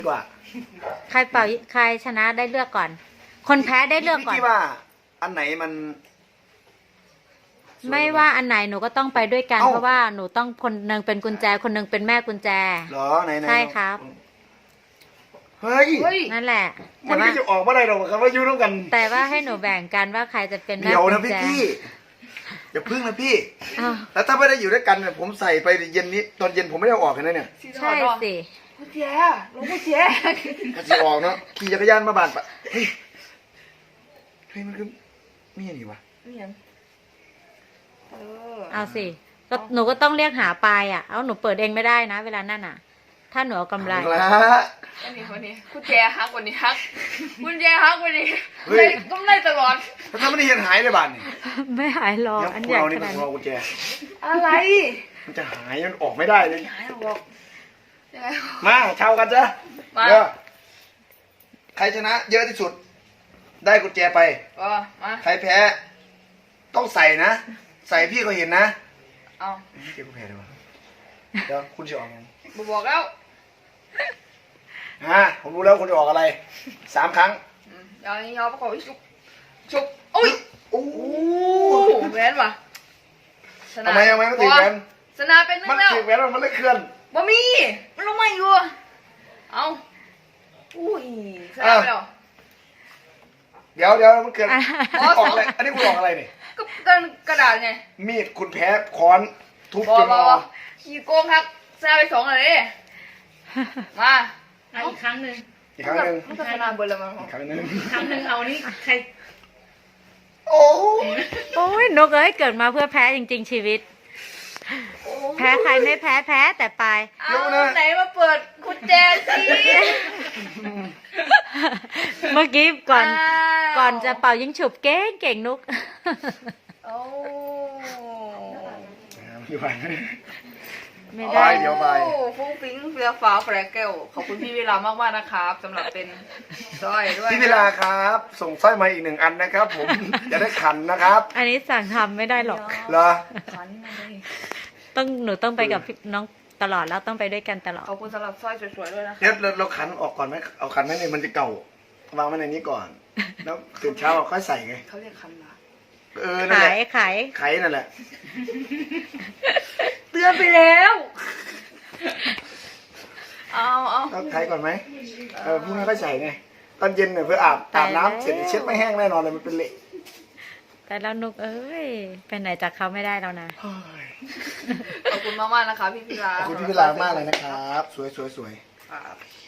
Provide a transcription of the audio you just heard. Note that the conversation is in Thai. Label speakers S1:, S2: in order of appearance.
S1: กว่า
S2: ใครเป่าใครชนะได้เลือกก่อน คนแพ้ได้เลือกก่อน
S1: พี่ว่าอันไหนมัน
S2: ไม่ว่าอันไหนหนูก็ต้องไปด้วยกันเพราะว่าหนูต้องคนหนึ่งเป็นกุญแจคนหนึ่งเป็นแม่กุญแจ
S1: เหรอไหน
S2: ใช่ครับ
S1: เฮ้ย
S2: นั่นแหละ
S1: มันก็จะออกมาได้หรอกครับว่าอยู่ร่วมกัน
S2: แต่ว่าให้หนูแบ่งกันว่าใครจะเป็นแม่
S1: เดี๋ยว
S2: กุ
S1: นะ
S2: ญแจ
S1: พี่อย่าพึ่งนะพี่แล้วถ้าไม่ได้อยู่ด้วยกันเนี่ยผมใส่ไปเย็นนี้ตอนเย็นผมไม่ได้ออกเลยนะเนี่ย
S2: ใช่สิ
S3: กุญแจลงกุญแจ
S1: ก็จะออกเนาะขี่จักรยานมาบ้านปะเฮ้ยมันคือมีอะไรวะ
S2: เอาสิก็หนูก็ต้องเรียกหาปลายอ่ะเอาหนูเปิดเองไม่ได้นะเวลานั่นอ่ะถ้าหนูเอากำไร
S3: วันนี้กุญแจฮักวันนี้ฮักกุญแจฮักวันนี้ต้องได้ตลอด
S1: ถ้าไม่ได้เห็นหายเลยบ้านนี่
S2: ไม่หายหรอกอันใหญ่ขนาดนี้
S1: กุญแจ
S3: อะไร
S1: มันจะหายมันออกไม่ได้เลย
S3: หายบอก
S1: มาเช่ากันจ้ะเดี๋ยวใครชนะเยอะที่สุดได้กุญแจไป
S3: มา
S1: ใครแพ้ต้องใส่นะใส่พี่ก็เห็นนะ
S3: เอา
S1: เก็บกุญแจดีกว่าเดี๋ยวคุณจะออกยัง
S3: บอกแล้ว
S1: ผมรู้แล้วคุณจะออกอะไร3 ครั้ง
S3: ยอประกอบชุบอุ้ย
S1: โอ้
S3: แหวนว่ะ
S1: ทำไมไม่ติดแหวน
S3: ชนะเป็นนึงแล้ว
S1: มันติดแหวนมันเลยเคลื่อน
S3: บ่มีมันลงมาอยู่เอาอุ้ยชนะไปแล้ว
S1: เดี๋ยวมันเกิดออกอะไรอันนี้คุณออกอะไรนี่
S3: ก็กระดาษไง
S1: มีดคุณแพ้ค้อนทุบจนงอ
S3: ขี้โกงครับชนะไป2เลยมา
S2: อีกครั้งหนึ่ง
S3: มันก็ชนะเบอร์ละมั้ง
S1: ครั้งหนึ่ง
S2: เอานี่ใครโอ้ยนกเอ้ยเกิดมาเพื่อแพ้จริงๆชีวิตแพ้ใครไม่แพ้แต่ปลาย
S3: ไหนมาเปิดกุญแจสิ
S2: เมื่อกี้ก่อนจะเป่ายิงฉุบเก่งนุก
S3: โอ้
S1: ไม่ได้เดี๋ยวไป
S3: ฟุ้งฟิ้งเฟี้ยวฟ้าแฟร์เกลขอบคุณพี่เวลามากๆนะครับสำหรับเป็นสร้อยด้วย
S1: พี่เวลาครับส่งสร้อยมาอีก1 อันนะครับผมจะได้ขันนะครับ
S2: อันนี้สั่งทำไม่ได้หรอก
S1: เหรอ
S2: หนูต้องไปกับน้องตลอดแล้วต้องไปด้วยกันตลอด
S3: ขอบคุณสำหรับสร้อยสวยๆด้วยนะ
S1: เดี๋ยวเราขันออกก่อนไหมเอาขันไว้ในมันจะเก่าวางไว้ในนี้ก่อนแล้วตื่นเช้าเราค่อยใส่ไง
S3: เขาเรียกขันหรอ
S2: ขาย
S1: นั่นแหละ
S3: เตือนไปแล้วเอา
S1: ขายก่อนไหมพรุ่งนี้ค่อยใส่ไงตอนเย็นเนี่ยเพื่ออาบน้ำเสร็จเช็ดไม่แห้งแน่นอนเลยมันเป็นเละ
S2: แต่แล้วนุกเอ้ยไปไหนจากเขาไม่ได้แล้วนะ
S3: ขอบคุณมากๆนะคะพี่พิลา
S1: ขอบคุณพี่พิลามากเลยนะครับสวย